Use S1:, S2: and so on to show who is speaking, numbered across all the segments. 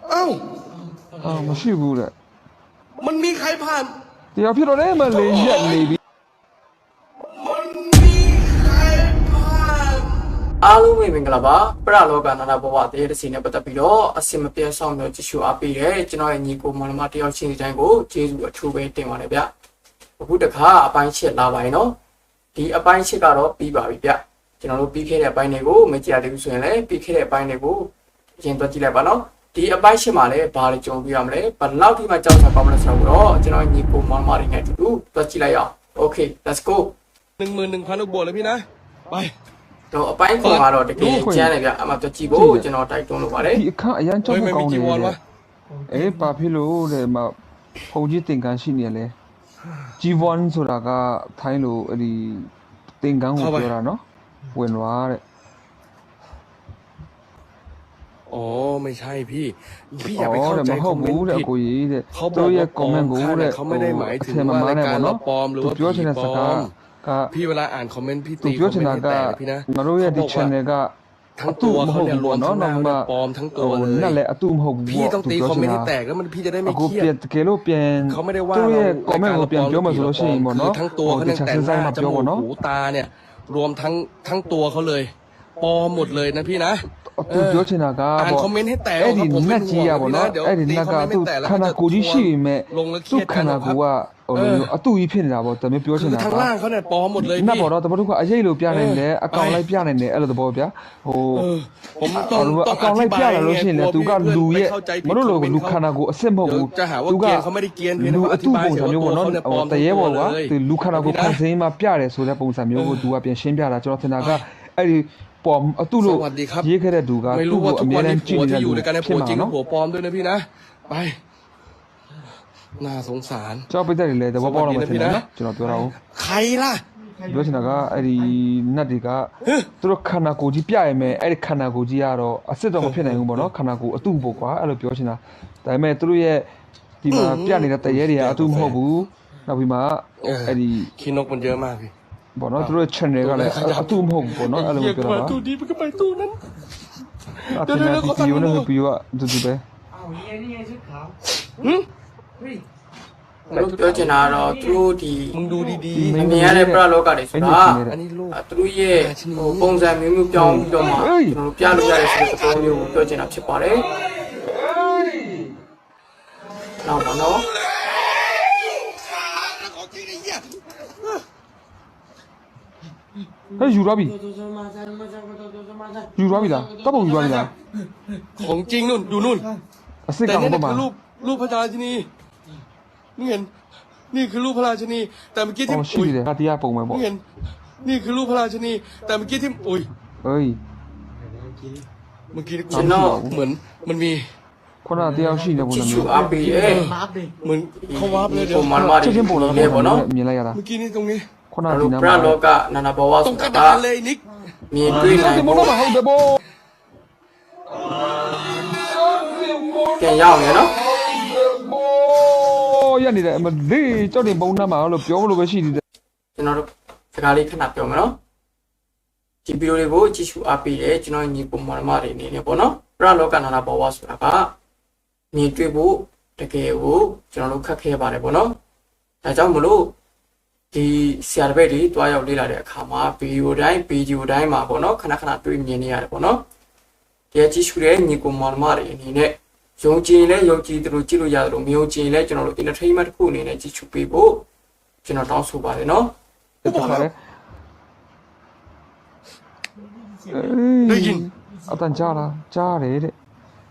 S1: เอ้า
S2: မရှိဘူးတဲ့
S1: มันมีใครผ่าน
S2: တရားဖြစ်တော့တယ်မလေးရက်နေပြီ
S1: มันมีใครผ่าน
S3: အားလုံးပဲမင်္ဂလာပါပရလောကနာနာဘဝတရေတစီနဲ့ပတ်သက်ပြီးတော့အစင်မပြတ်ဆောင်မျိုးကြည့်ရှုအားပေးတယ်ကျွန်တော်ရဲ့ညီကိုမောင်နှမတယောက်ချင်းစီတိုင်းကိုကျေးဇူးအထူးပဲတင်ပါတယ်ဗျအခုတခါအပိုင်းချက်လာပါရင်နော်ဒီအပိုင်းချက်ကတော့ပြီးပါပြီဗျကျွန်တော်တို့ပြီးခဲ့တဲ့အပိုင်းတွေကိုမကြည့်ရသေးဘူးဆိုရင်လည်းပြီးခဲ့တဲ့အပိုင်းတွေကိုအရင်တော့ကြည့်လိုက်ပါနော်ဒီအပိုင်းချက်မှာလည်းဘာတွေကြုံပြရမလဲဘယ်လောက်ထိမှကြောက်တာပါမလဲဆိုတော့ကျွန်တော်ညီကိုမောင်နှမတွေနဲ့အတူတူတော့ကြည့်လိုက်ရအောင် Okay let's go
S1: 11,000 ลูกบวกเลยพี่นะไป
S3: တော့အပိုင်းပုံကတော့တကယ်ကျန်းတယ်ဗျအမှတော့ကြည့်ဖို့ကျွန်တော်တိုက်တွန်းလို့ပါတယ်
S2: ဒီအခန်းအရန်ကြောက်ဖို့ကောင်းနေတယ်ဘာဖြစ်လို့တဲ့မဖုန်ကြီးတင်ကန်းရှိနေလဲ G1 ဆိုတာကထိုင်းလို့အဲ့ဒီတင်ကန်းကိုပြောတာနော်ဝင်သွားတဲ့
S1: อ๋อไม่ใช่พี่อย่าไปเข้าใจ
S2: မဟုတ်ဘူးတဲ့ကိုကြီးတဲ့သူရဲ့ comment ကိုတဲ့
S1: เขาไม่ได้หมายถึงว่ารายการเราปลอมหรือว่า
S2: ပြောချင်တဲ့စကားက
S1: พี่เวลาอ่านคอมเมนต์พี่
S2: သူ
S1: ตี
S2: ပြောချင်တာက
S1: แต่พี่นะ
S2: ငါတို့ရဲ့ဒီ channel က
S1: ทั้งตัวเขาเนี่ยรวมทั้งหน้าเนี่ยปลอมทั้งตัวเลย
S2: นั่นแหละအတူမဟုတ်ဘူး
S1: พี่ต้องตีคอมเมนต์ให้แตกแล้วมันพี่จะได้ไม่
S2: အခု
S1: เครีย
S2: ပြန်
S1: ด
S2: တကယ်လို့ပြန်
S1: เขาไม่ได้ว่า
S2: သူ
S1: เรา
S2: ရဲ့
S1: ราย
S2: comment
S1: การ
S2: ကို
S1: เรา
S2: ပြန်
S1: ปล
S2: ပြော
S1: อม
S2: မှဆိုလို့ရှိရင်ပေါ့နော်
S1: ทั้งตัวเขาเนี่ยแต่หน้าจมูกหูตาเนี่ยรวมทั้งตัวเขาเลยปลอมหมดเลยนะพี่นะ
S2: သူပြောချင်တာက
S1: อ่าน
S2: ပေါ့
S1: คอมเมนต์ให้แตก
S2: အဲ့ဒီ
S1: ผม
S2: န
S1: เป็
S2: က်
S1: นห่
S2: ကြီး
S1: วง
S2: ရပေါ့
S1: พี่
S2: နော်
S1: นะเดี๋ยว
S2: အဲ့ဒီ
S1: ตี
S2: န
S1: ค
S2: က်က
S1: อมเมนต์
S2: သူ
S1: ให้แตกแล้ว
S2: ခန္ဓာကိုယ်ကြီးရှိပေမဲ့
S1: ลงแล้วเค
S2: သူ
S1: รียด
S2: ခ
S1: กั
S2: န္
S1: น
S2: ဓာ
S1: นะครับ
S2: ကိုယ်ကအတူကြီးဖြစ်နေတာပေါ့တမပြောချင်
S1: คือ
S2: တာ
S1: ทาง
S2: က
S1: ล่างเขาเนี่ยปลอมหมดเลย
S2: နက်
S1: พี่
S2: ပေါ်တော့တမတို့ကအရေးလို့ပြနိုင်တယ်အကောင်လိုက်ပြနိုင်တယ်အဲ့လိုသဘောဗျာဟို
S1: ผมต้อง
S2: အကောင်လိုက်ပြလာလို့ရှိရင်လည်းသူကလူရဲ့မတို့လိုလူခန္ဓာကိုယ်အစ်စ်မဟုတ်ဘူး
S1: จะหาว่าเกียนเขาไม่ได้เกียนเพียง
S2: လူ
S1: แต่ว่าอ
S2: အ
S1: ธิ
S2: တူ
S1: บาย
S2: ပုံ
S1: เสีย
S2: စံ
S1: ว่า
S2: မျိုး
S1: ตัว
S2: ပေါ့နော်
S1: เขาเนี่ยปลอม
S2: တရေပေါ်က
S1: เลย
S2: သူလူခန္ဓာကိုယ်ဖန်ဆင်းမှာပြတယ်ဆိုတဲ့ပုံစံမျိုးကိုသူကပြန်ရှင်းပြတာကျွန်တော်ထင်တာကအဲ့ဒီပေါ်အတူလို့ရေးခဲ့တဲ့သူက
S1: ไม่
S2: သူ့
S1: รู้ว่า
S2: ကို
S1: ทุ
S2: အ
S1: ก
S2: မြဲ
S1: วัน
S2: တ
S1: นี้
S2: မ်းကြ
S1: ผั
S2: ည့်
S1: ว
S2: နေတဲ့
S1: ที่อยู่
S2: လူ
S1: ด้วยกันเนี่ย
S2: ဖြစ်
S1: ผัว
S2: မှာ
S1: จริงกับ
S2: နော်
S1: ผัวปลอมด้วยนะพี่นะไปน่าสงสาร
S2: ကြောက်ပိတ်တယ်လေသဘောပေါက်တော့မှထင်တယ်နော်ကျွန်တော်ပြောတာကို
S1: ใครล่ะ
S2: ပြောချင်တာကအဲ့ဒီနတ်တွေကသူတို့ခန္ဓာကိုယ်ကြီးပြရမယ်အဲ့ဒီခန္ဓာကိုယ်ကြီးကတော့အစ်စ်တော့မဖြစ်နိုင်ဘူးပေါ့နော်ခန္ဓာကိုယ်အတုပေါ့ကွာအဲ့လိုပြောချင်တာဒါပေမဲ့သူတို့ရဲ့ဒီမှာပြနေတဲ့တရေတွေကအတုမဟုတ်ဘူးနောက်ပြီးမှအဲ့ဒီ
S1: ขี้นกมันเยอะมากพี่
S2: ပေါ့နော်သူတို့ရဲ့ channel ကလည်းအတူမဟုတ်ဘူးပေါ့နော်အဲ့လိုမျိုးပြောတာပါ
S1: ตู้นี้มันก็ไปตู้นั้น
S2: အပြင်ကဗီဒီယိုနဲ့ဗီဒီယိုကအတူတူပဲ
S3: လို့ပြောချင်တာကတော့သူတို့ဒီ
S1: มึงดูดี
S3: အမြင်ရတဲ့ပရလောကတွေဆိုတာ
S1: ๆอันนี้ลูก
S3: သူတို့ရဲ့ပုံစံမျိုးမျိုးပြောင်းပြီးတော့မှကျွန်တော်ပြလို့ရတဲ့ဆိုတဲ့သဘောမျိုးကိုပြောချင်တာဖြစ်ပါတယ်နောက်ပါနော်
S2: ဟဲ့ယူသွားပြီယူသွားပြီလားတပ်ပုံယူသွားပြီလား
S1: ของจริงนู่นดูนู่น
S2: အစ်စ်
S1: แต่
S2: ကောင်
S1: นี่
S2: ပေါ့မှာ
S1: คือรูปพระราชินีนี่เห็นนี่คือรูปพระราชินีแต่เมื่อกี้ที่
S2: အော်ရှိတယ်ကတရားပုံပဲပေါ့
S1: นี่เห็นนี่คือรูปพระราชินีแต่เมื่อกี้ที่อุ้ย
S2: ဟေး
S1: เมื่อกี้
S3: ကျွန်တော်
S1: เหมือนมันมี
S2: ခုနတရားရှိနေပုံ
S3: ကြ
S2: စံ
S3: ည့်ရှု
S2: မျိုး
S3: အားပေးတယ်
S1: เหมือนเขาวาร์ปเลยเดี๋ยว
S3: ပုံမှန်မှာ
S2: ချက်ချင်းပုံလာ
S3: လေပေါ့နော်
S2: မြင်လိုက်ရတာ
S1: เมื่อกี้นี่ตรงนี้
S2: ခုန
S3: အဲ့
S2: ဒီ
S3: လို
S2: နား
S3: ပရ
S2: မှာ
S3: လောကနာနာဘဝ
S1: ตร
S3: ဆို
S1: งกระ
S3: တာ
S1: ดานเลยนิก
S3: မြင်တွေ့နိုင်
S2: ဒီမ
S3: ဖို့
S2: လို့မဟုတ်တယ်ဘော
S3: ပြန်ရောက်နေနော်
S2: ဘောရနေတယ်အမလေးကြောက်တင်ပုံနှမ်းမှာလို့ပြောလို့ပဲရှိသေးတယ်
S3: ကျွန်တော်တို့စကားလေးခဏပြောမယ်နော်ဒီဗီဒီယိုလေးကိုကြည့်ရှုအားပေးတယ်ကျွန်တော်ညီပုံမှန်မတွေအနေနဲ့ပေါ့နော်ပရလောကနာနာဘဝဆိုတာကမြင်တွေ့ဖို့တကယ်ကိုကျွန်တော်တို့ခက်ခဲပါတယ်ပေါ့နော်ဒါကြောင့်မလို့ဒီဆရာတပည့်တွေတွားရောက်လေ့လာတဲ့အခါမှာဗီဒီယိုတိုင်းမှာပေါ့နော်ခဏခဏတွေ့မြင်နေရတယ်ပေါ့နော်ဒီကြည့်ရှုတဲ့ညီပုံမှန်မတွေအနေနဲ့ယုံကြည်လဲယုံကြည်သူတို့ကြည့်လို့ရတယ်လို့မယုံကြည်လဲကျွန်တော်တို့ entertainment တစ်ခုအနေနဲ့ကြည့်ရှုပေးဖို့ကျွန်တော်တောင်းဆိုပါတယ်နော်
S2: တခါလေအတန်ကြားလားကြားတယ်တဲ့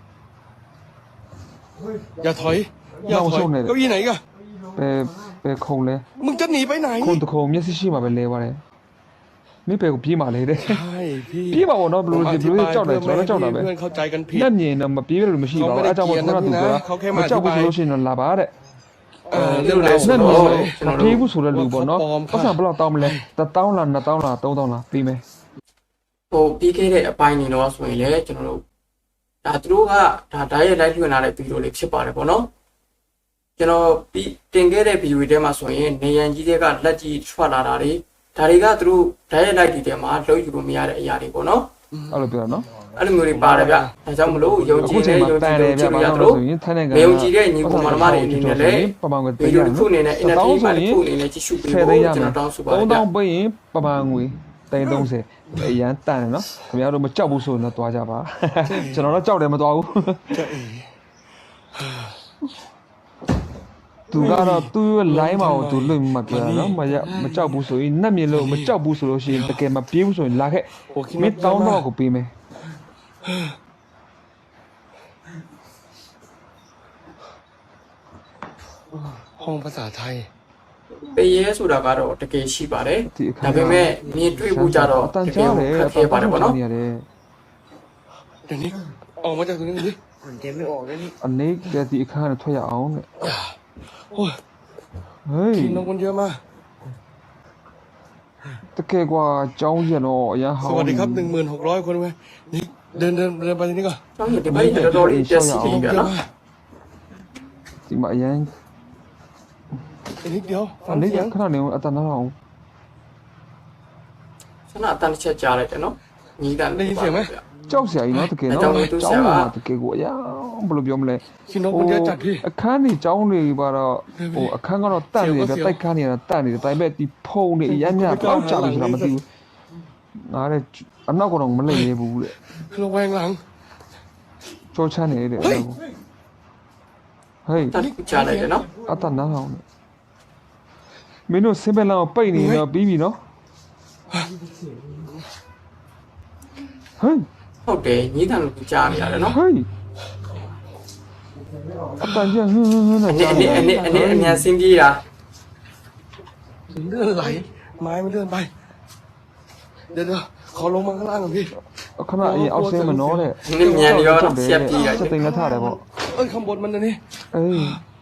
S1: อย่าถอยอย่าถอยเก้าอี้ไหนกะ
S2: ဘယ်ခုံလဲ
S1: มึงจะหนีไปไหน
S2: ခုံတခုံမျက်စိရှိမှပဲလဲပါတယ်မင်းပဲကိုပြေးမှလေတဲ့
S1: ใช่พี่
S2: ပြေးပါဘောနော်ဘယ်လိုကြောက်တယ်ကျွန်တော်ကြောက်တာပဲ
S1: เพื่อนเข้าใจกันผิด
S2: လက်မြင်တော့မပြေးလို့မရှိပါဘူးအဲကြောင့်မို့ခုနကသူကမကြောက်ဘူးဆိုလို့ရှိရင်တော့လာပါတဲ့
S1: เรื่องไหน
S2: လက်
S1: สุ
S2: မြ
S1: ด
S2: င်
S1: เลย
S2: မပြေးဘူးဆိုတဲ့လူပေါ့နော်ပတ်စံဘယ်လောက်တောင်းမလဲ1000လား2000လား3000လားပြီးမယ်
S3: ဟိုပြီးခဲ့တဲ့အပိုင်းနေတော့ဆိုရင်လည်းကျွန်တော်တို့ဒါသူတို့ကဒါဓာတ်ရိုက်လိုက်လွှင့်လာတဲ့ဗီဒီယိုလေးဖြစ်ပါတယ်ပေါ့နော်ကျွန်တော်ပြီးတင်ခဲ့တဲ့ဗီဒီယိုတွေမှာဆိုရင်နေရန်ကြီးတွေကလက်ကြီးထွက်လာတာတွေဒါတွေကသူတို့ဓာတ်ရိုက်လိုက်ဒီထဲမှာလှုပ်ယူလို့မရတဲ့အရာတွေပေါ့နော်
S2: အဲ့လိုပြောတာနော်
S3: အဲ့လိုမျိုးတွေပါတယ်ဗျဒါကြောင့်မလို့ယုံကြည်တဲ့ယုံကြည်လို့ကြည့်လို့ရတော့မယုံကြည်တဲ့ညီကိုမောင်နှမတွေအနေနဲ့လည်းဗီဒီယိုတစ်ခုအနေနဲ့ energy ပါတစ်ခုအနေနဲ့ကြည့်ရှုပေးဖို့ကျွန်တော်တောင်းဆိုပါတယ်ဗျ
S2: 3000ပေးရင်ပမာငွေ330အရန်တန်တယ်နော်ခင်ဗျားတို့မကြောက်ဘူးဆိုရင်တော့သွားကြပါကျွန်တော်တော့ကြောက်တယ်မသွားဘူးသူကတော့သူ့ရဲ့ line မှာကိုသူလွတ်မှပြောတာနော်မကြောက်ဘူးဆိုရင်နှက်မြင်လို့မကြောက်ဘူးဆိုလို့ရှိရင်တကယ်မပြေးဘူးဆိုရင်လာခဲ့မင်းတောင်းတော့ကိုပေးမယ်
S1: ห้องภาษาไทย
S3: ပေးရဲဆိုတာကတော့တကယ်ရှိပါတယ်ဒါပေမဲ့မြင်တွေ့ဖို့ကြတော့
S2: အတန်
S3: တက
S2: ကြား
S3: ယ်
S2: တယ်
S3: ခက်ခဲပါတယ်ပေါ့နော်
S2: ရတယ်
S1: เดี๋ยวนี้ออกมาจากตรงนี้ดิ
S2: အနေကဒီအခါနဲ့ထွက်ရအောင်တဲ့
S1: โอ้ย
S2: ဟေး
S1: ทีมน้องคนเยอะมาก
S2: တကယ်ကွာကြောင်းရက်တော့အရန်ဟော
S1: ส
S2: င်း
S1: วัสดีครับ 1600 คนเว้ยนี่เดินไปที่นี่ก่อน
S3: ကျောင်းရဒီဘက်တော်တော်လေးတက်စီပြီးပြနော်
S2: ဒီမှာအရန်
S1: อีกนิดเดียว
S2: အနေကခဏနေအတန်နာအောင်
S3: ဆန္ဒအတန်တစ်ချက်ကြားလိုက်တယ်နော်ညီတန်
S2: ကြောက်စရာကြီးနော်တကယ်နော်ကြောင်းမှာတကယ်ကိုအရန်ဘယ်လိုပြောမလဲ
S1: พี่น้องคนเยอะจัดพี่
S2: အခန်းကြီးကြောင်းတွေပါတော့ဟိုအခန်းကတော့တန့်နေတယ်တိုက်ခန်းနေတော့တန့်နေတယ်ဒါပေမဲ့ဒီဖုံတွေအရန်ညပေါက်ကြပြီဆိုတာမသိဘူးငါတဲ့အနောက်ကတော့မလိမ့်နေဘူးတဲ့
S1: ระแวงหลัง
S2: ကြောချမ်းနေတဲ့ဟေး
S3: တန်ကြားလိုက်တယ်နော်
S2: အတနာအောင်မင်းတို့စင်ပယ်လောင်ပိတ်နေတော့ပြီးပြီနော်ဟေး
S3: ဟုတ်တယ်ညီတန်လို့ကြားနေရတယ်နော်
S2: ဟေးအတန်ကျဟင်းနဲ့ကြားနေ
S3: အမြန်စင်းပြေးတာ
S1: เลื่อนไหลไม้มันเลื่อนไปเดี๋ยวขอลงมาข้างล่างก่อนพี่
S2: ခဏအရင်အောက်ဆင်းမနှောတဲ့
S3: နည်းမြန်ရောနော်ဆက်ပြေးလိုက်
S2: စက်တင်ကထားတယ်ပေါ့
S1: เอ้ยข้างบนมันนี่
S2: အေး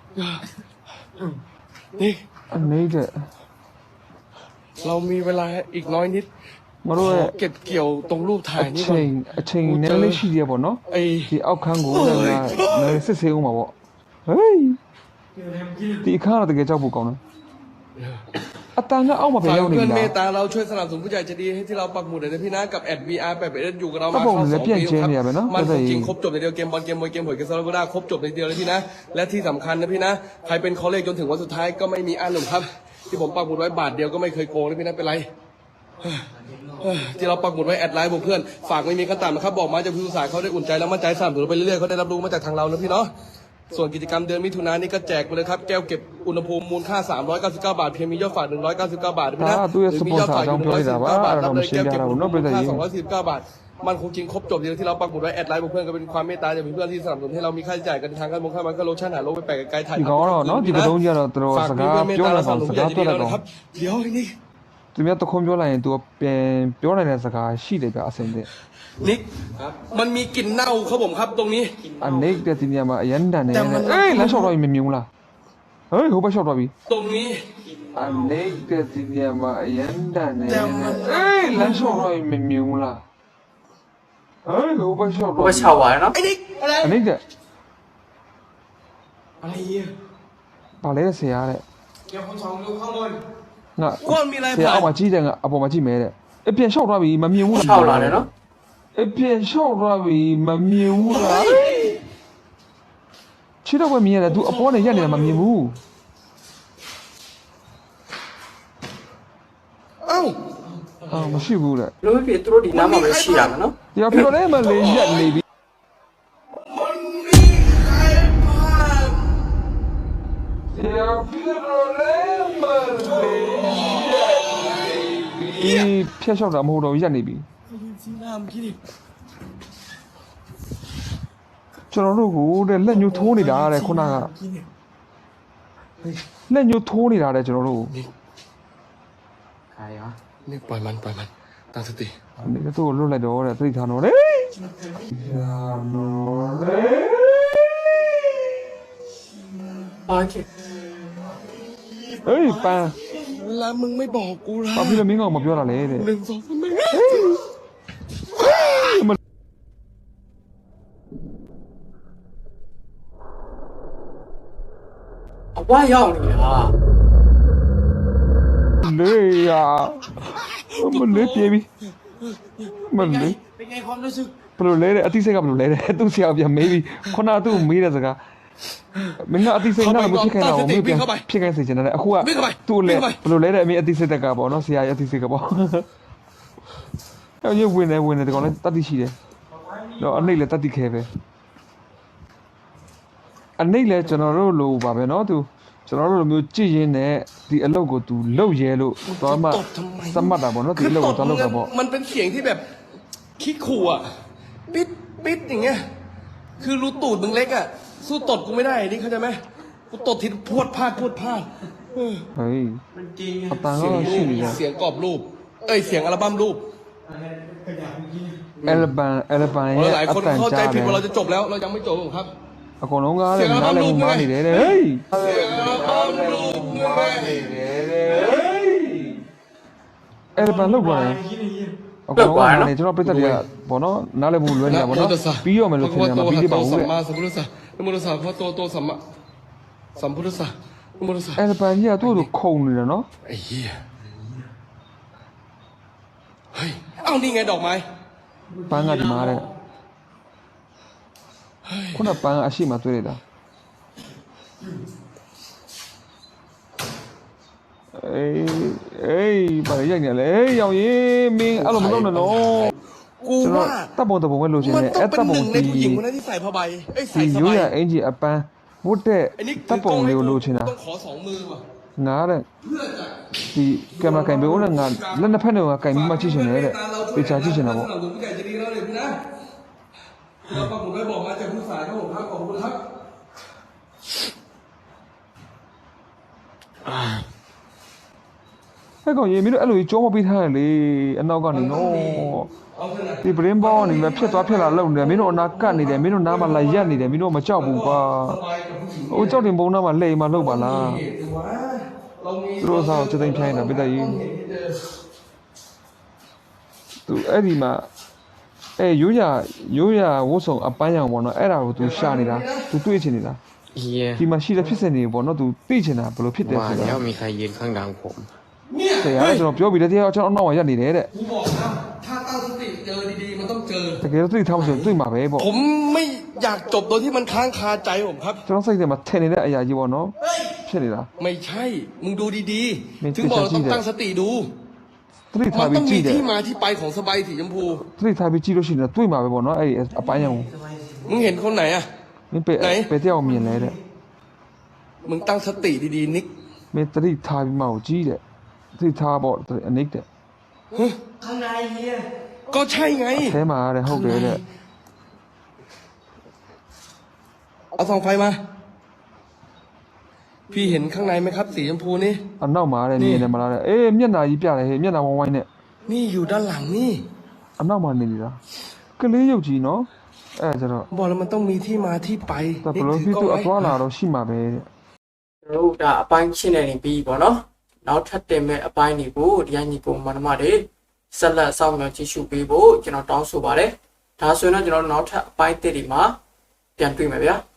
S1: นี่
S2: နေတဲ့
S1: เรามีเวลาอีกน้อยนิด
S2: မတို့ရဲ့
S1: เก็บเกี่ยวตรงรูปถ่าย
S2: အ
S1: นี่ก่อน
S2: ချိန်နည်းလေးရှိရပေါ့နော်
S1: ไอ้
S2: ဒီအောက်ခန်းကိုလည်းငါစစ်ဆေးအောင်ပါပေါ့ဟေးဒီအခါတော့တကယ်ကြောက်ဖို့ကောင်းတယ်အတန်ကအောက်မှာပြန်
S1: ฝาก
S2: ရောက်နေ
S1: เพื่อน
S2: ပြီ
S1: เม
S2: လား
S1: ตตาเราช่วยสนับสนุนผู้ใหญ่ใจดีให้ที่เราปักหมุดเลยนะพี่นะกับแอด VR แบบอยู่กับเรามาเข้า2 ปีครับมันของจริงครบจบในเดียวเกมบอลเกมมวยเกมหวยเกมซาลาโกด้าครบจบในเดียวเลยพี่นะและที่สำคัญนะพี่นะใครเป็นคอเลกจนถึงวันสุดท้ายก็ไม่มีอันหนึ่งครับที่ผมปักหมุดไว้บาทเดียวก็ไม่เคยโกงนะพี่นะเป็นไรที่เราปักหมุดไว้แอดไลน์บอกเพื่อนฝากไม่มีขั้นต่ำนะครับบอกมาจากผู้สื่อสารเขาได้อุ่นใจแล้วมั่นใจสนับสนุนไปเรื่อยๆเขาได้รับรู้มาจากทางเรานะพี่เนาะส่วนกิจกรรมเดือนมิถุนายนนี้ก็แจกไปเลยครับแก้วเก็บอุณหภูมิมูลค่า399 บาทเพียงมียอดฝาก199 บาทนะหรือมียอดฝากอยู่149 บาทรับเลยแก้วเก็บอุณหภูมิมูลค่า249 บาทมันคงจริงครบจบเดียวที่เราปักหมุดไว้แอดไลน์บอกเพื่อนก็เป็นความเมตตาจากเพื่อนที่สนับสนุนให้เรามีค่าใช้จ่ายกันทางการมงคลมันก็โลชั่นหาโลกไปแปลกไกลถ่าย
S2: ဒီကောင်တော့နော်ဒီကတော့ကြီးကတော့တော်
S1: ฝาก
S2: စ
S1: มี
S2: ကား
S1: เพื่อนเมต
S2: ပြော
S1: ตา
S2: လာ
S1: เราส
S2: တော့
S1: นับส
S2: စ
S1: นุน
S2: ကား
S1: ผู้ใหญ่ใจ
S2: ပြော
S1: ดี
S2: လိုက်
S1: เรา
S2: တော့
S1: นะครับเดี๋ยวนี่
S2: သူများတခုံးပြောလိုက်ရင် तू ပြန်ပြောနိုင်တဲ့စကားရှိတယ်ဗျအစင်တဲ့
S1: นิกมันมีกลิ่นเน่าครับผมครับตรงนี้
S2: အနေတဲ့ဒီနေရာမှာအရန်တန်နေတယ်အေးလမ်းလျှောက်တော့ပြီမမြင်ဘူးလားဟေးဟိုဘက်လျှောက်တော့ပြီ
S1: ตรงนี้
S2: အနေတဲ့ဒီနေရာမှာအရန်တန်နေတယ်အေးလမ်းလျှောက်တော့ပြီမမြင်ဘူးလားဟေးဟိုဘက်လျှောက်
S3: ဘ
S2: တော့
S3: ယ်ချောက်ပါရနော်
S1: ไอ้นิกอะไร
S2: အနေတဲ့
S1: อะไรเนี่ย
S2: ဗာလဲဆရာတဲ့
S1: เกี่ยวกับสองดูข้างบน
S2: ငါ
S1: ก้อนมีอะไร
S2: ဆရာ
S1: ผ่า
S2: အောက်မှာကြီးတယ်ငါအပေါ်မှာကြည့်မဲတဲ့အပြန်လျှောက်သွားပြီမမြင်ဘူးလား
S3: ချောက်လာတယ်နော်
S2: အပြန်လျှောက်သွားပြီမမြင်ဘူးလားခြေတော့ပဲမြင်ရတယ် तू အပေါ်နဲ့ရက်နေတာမမြင်ဘူး
S1: เอ้า
S2: အာမရှိဘူးတဲ့
S3: လို့ဖြစ်သူတို့ဒီနားမှာပဲရှိရမယ်နော်
S2: ဒီတော့ပြောလဲမလေးရက်နေပြီ
S1: มันมีใครผ่าน
S2: ဒီတော့ပြောလဲမလေးရက်နေပြီဖျက်လျှောက်တာမဟုတ်တော့ရက်နေပြီ
S1: สีน้ำพี่ดิ
S2: ကျွန်တော်တို့ကိုတဲ့လက်ညှိုးထိုးနေတာတဲ့ခုနက
S1: พี่เนี่ย
S2: လက်ညှိုးထိုးနေတာတဲ့ကျွန်တော်တို့
S3: ใครวะ
S1: นี่ปล่อยมันตั้งสติ
S2: အနေနဲ့သူ့ကိုလွတ်လိုက်တော့တဲ့သိထားတော့လေရာနော်လေ
S3: โอเค
S2: เอ้ยปาน
S1: แล้วมึงไม่บอกกูล่ะ
S2: ဘာဖြစ်လို့မင်းကောင်မပြောတာလဲတဲ့
S1: 1 2 3ไม่
S3: အဝါရောက်နေတာ
S2: လေယာမလေးပြေးပြီမလေး
S1: เป็นไงความรู้สึก
S2: ဘယ်လိုလဲတဲ့အတိစိတ်ကဘယ်လိုလဲတဲ့သူဆရာပြန်မေးပြီးခုနကသူ့ကိုမေးတဲ့စကားမင်းကအတိစိတ်နဲ့မဖြစ်ခိုင်းတော့မေးပြန်ဖြစ်ခိုင်းစေချင်တယ်အခုကသူ့လေဘယ်လိုလဲတဲ့အမေအတိစိတ်တက်ကပေါ့နော်ဆရာရဲ့အတိစိတ်ကပေါ့အဲ့ဒီဝင်နေဒီကောင်လည်းတတိရှိတယ်တော့အနှိတ်လည်းတတိခဲပဲအနှိတ်လည်းကျွန်တော်တို့လိုပါပဲနော်သူကျွန်တော်တို့လိုမျိုးကြည်ရင်နဲ့ဒီအလုပ်ကိုသူလုပ်ရဲလို့သွားမှသတ်မှတ်တာပေါ့နော်ဒီအလုပ်ကိုသွားလုပ်တာပေါ့
S1: มันเป็นเสียงที่แบบขี้ขู่อ่ะปิดอย่างเงี้ยคือรูตูดมึงเล็กอ่ะสู้ตดกูไม่ได้นี่เข้าใจไหมกูตดทีพรวดพลาด
S2: เฮ้ยအတန်ก็ရှိနေတယ်
S1: เสียงกรอบรูปเสียงอัลบั้มรูป
S2: အယ်လဘန်ရဲ့
S1: หลาย
S2: အ
S1: คน
S2: တန်
S1: เข้าใจ
S2: ကြား
S1: ผิ
S2: တ
S1: ด
S2: ယ်
S1: ว่าเราจะจบแล้วเรายังไม่จบครับ
S2: အကုန်လုံးကလည်းနားလည်မှုမှားနေတယ်တဲ့ဟေး
S1: เสียงอัลบั้มรูปไง
S2: အယ်လဘန်လောက်သွားတယ်အကုန်လုံးကလည်းကျွန်တော်ပြတ်တက်တယ်ပေါ့နော်နားလည်မှုလွဲနေတာပေါ့နော်ပြီးရောမယ်လို့ထင်တယ်မှာပြီးပြပါဦးတဲ့
S1: สัมมาสัมพุทธัสสะนโมตัสสะพระโตสัมมาสัมพุทธัสสะนโมตัสสะ
S2: အယ်လဘန်ကြီးကသူ့ကိုခုံနေတယ်နော်
S1: ไอ้เหี้ยเฮ้ยเอ้านี่ไงดอกไม้
S2: ပန်းကဒီမှာတဲ့ခုနပန်းကအရှိမတွေ့လိုက်တာအေးဘာရိုက်နေလဲရောင်ရင်မင်းအဲ့လိုမလုပ်နဲ့နော်
S1: กู
S2: ကျွန်တော်
S1: ว่า
S2: တပ်ပုံပဲလို့ချင်
S1: มัน
S2: တယ်
S1: ต้อ
S2: အဲ့
S1: งเป็
S2: တပ်
S1: นห
S2: ပုံ
S1: นึ่งใน
S2: ဒီ
S1: ผู้หญิงคนนั้นที่ใส่ผ้าใบใส่
S2: ဒီ
S1: ส
S2: ရိုး
S1: บาย
S2: ရအင်ဂျီအပန်းဝတ်တဲ့
S1: อันนี้
S2: တပ်ပုံလေးကိုလိုချင်တာ
S1: ต้องขอสองมือว่ะ
S2: ငါတဲ့ဒီကင်မရာကင်ပေးဦးနဲ့ငါလက်နှစ်ဖက်နဲ့ကင်ပြီးမှကြည့်ချင်တယ်တဲ့ပေချာကြည့်ချင်တာပေါ့
S1: สนับสนุนผู้ใหญ่จะดีแล้วเลยพี่นะเราปักหมุดไว้บอกมาจากผู้สายครับผมครับขอบคุณครับ
S2: အဲ့ကောင်ရေမင်းတို့အဲ့လိုကြီးကြောမပေးထားရလေအနောက်ကနေနော်
S1: เอาเถอะนะ
S2: ဒီပရင်းဘောနေပဲဖြစ်သွားဖြစ်လာလုံနေတယ်မင်းတို့အနာကတ်နေတယ်မင်းတို့နားမှာလာရက်နေတယ်မင်းတို့မကြောက်ဘူးကွာ
S1: สบายกับผู้หญิง
S2: ဟိုကြောက်တင်ပုံနားမှာလှိမ်မှာလှုပ်ပါလား
S1: เหตุสิวะเรามี
S2: သူတို့စားကိုချက်သိမ်းဖြိုင်းတာပိတ္တကြီး
S1: ต้องเห็นที่เจอ
S2: သူအဲ့ဒီမှာရိုးရဝတ်ဆောင်အပန်းရောင်ပေါ့နော်အဲ့ဒါကိုသူရှာနေတာသူတွေးချင်နေတာ
S4: เฮีย
S2: ဒီမှာရှိတဲ့ဖြစ်စဉ်တွေပေါ့နော်သူသိချင်တာဘယ်လိုဖြစ်တယ်
S4: ว่า
S2: ဆိုတာ
S4: แล้วมีใครยืนข้างหลังผม
S1: เนี่ย
S2: တရားကကျွန်တော်ပြောပြီးတဲ့တရားကျွန်တော်အနောက်မှာရက်နေတယ်တဲ့
S1: กูบอกนะถ้าตั้งสติเจอดีๆมันต้องเจอ
S2: တကယ်တော့သိထားမှဆိုတွေ့မှာပဲပေါ့
S1: ผมไม่อยากจบโดยที่มันค้างคาใจผมครับ
S2: ကျွန်တော်စိတ်ထဲမှာထင်နေတဲ့အရာကြီးပေါ့နော်ဖြစ်နေတာ
S1: ไม่ใช่ มึงดูดี
S2: ไม่
S1: ๆ ถึงบอกเราต้อง
S2: ใช่
S1: ตั้งสติดู
S2: သတိ
S1: มั
S2: ထား
S1: น
S2: ပြီး
S1: ต้อง
S2: ကြ
S1: มี
S2: ည့်တယ်
S1: ที่มาที่ไปของสบายสีชมพู
S2: သတိထားပြီးကြည့်လို့ရှိရင်တွေ့မှာပဲပေါ့နော်အဲ့ဒီအပန်းရောင်
S1: มึงเห็นคนไหนอะ
S2: မင်းပဲတယောက်မြင်လဲတဲ့
S1: มึงตั้งสติดีๆนิก
S2: မင်းသတိထားပြီးမှကိုကြည့်တဲ့သတိထားပေါ့အနိတ်တဲ့
S1: ก็ใช่ไง
S2: အဲမှာတဲ့ဟုတ်တယ်တဲ့
S1: เอาส่องไฟมา พี่เห็นข้างในไหมครับ สีชมพูนี่
S2: အနောက်မှာတဲ့မြင်တယ်မလားတဲ့အေးမျက်နှာကြီးပြတယ်ဟေးမျက်နှာဝိုင်းဝိုင်းနဲ့
S1: นี่อยู่ด้านหลังนี่
S2: အနောက်မှာနေနေတာကလေးရုပ်ကြီးနော်အဲ့ဒါကျတော့
S1: บอกแล้วมันต้องมีที่มาที่ไป
S2: ဒါဘ
S1: นิก
S2: လို့
S1: ถื
S2: ပြီး
S1: อกล้อง
S2: သူအ
S1: ไว้
S2: သွားလာတော့ရှိမှာပဲတဲ့
S3: ကျွန်တော်တို့ဒါအပိုင်းရှင်းနေနေပြီပေါ့နော်နောက်ထပ်တင်မဲ့အပိုင်းတွေကိုတရားညီကိုမနမတွေဆက်လက်ဆောင်မြောက်ကြည့်ရှုပေးဖို့ကျွန်တော်တောင်းဆိုပါတယ်ဒါဆိုရင်တော့ကျွန်တော်တို့နောက်ထပ်အပိုင်းတစ်တွေမှာပြန်တွေ့မယ်ဗျာ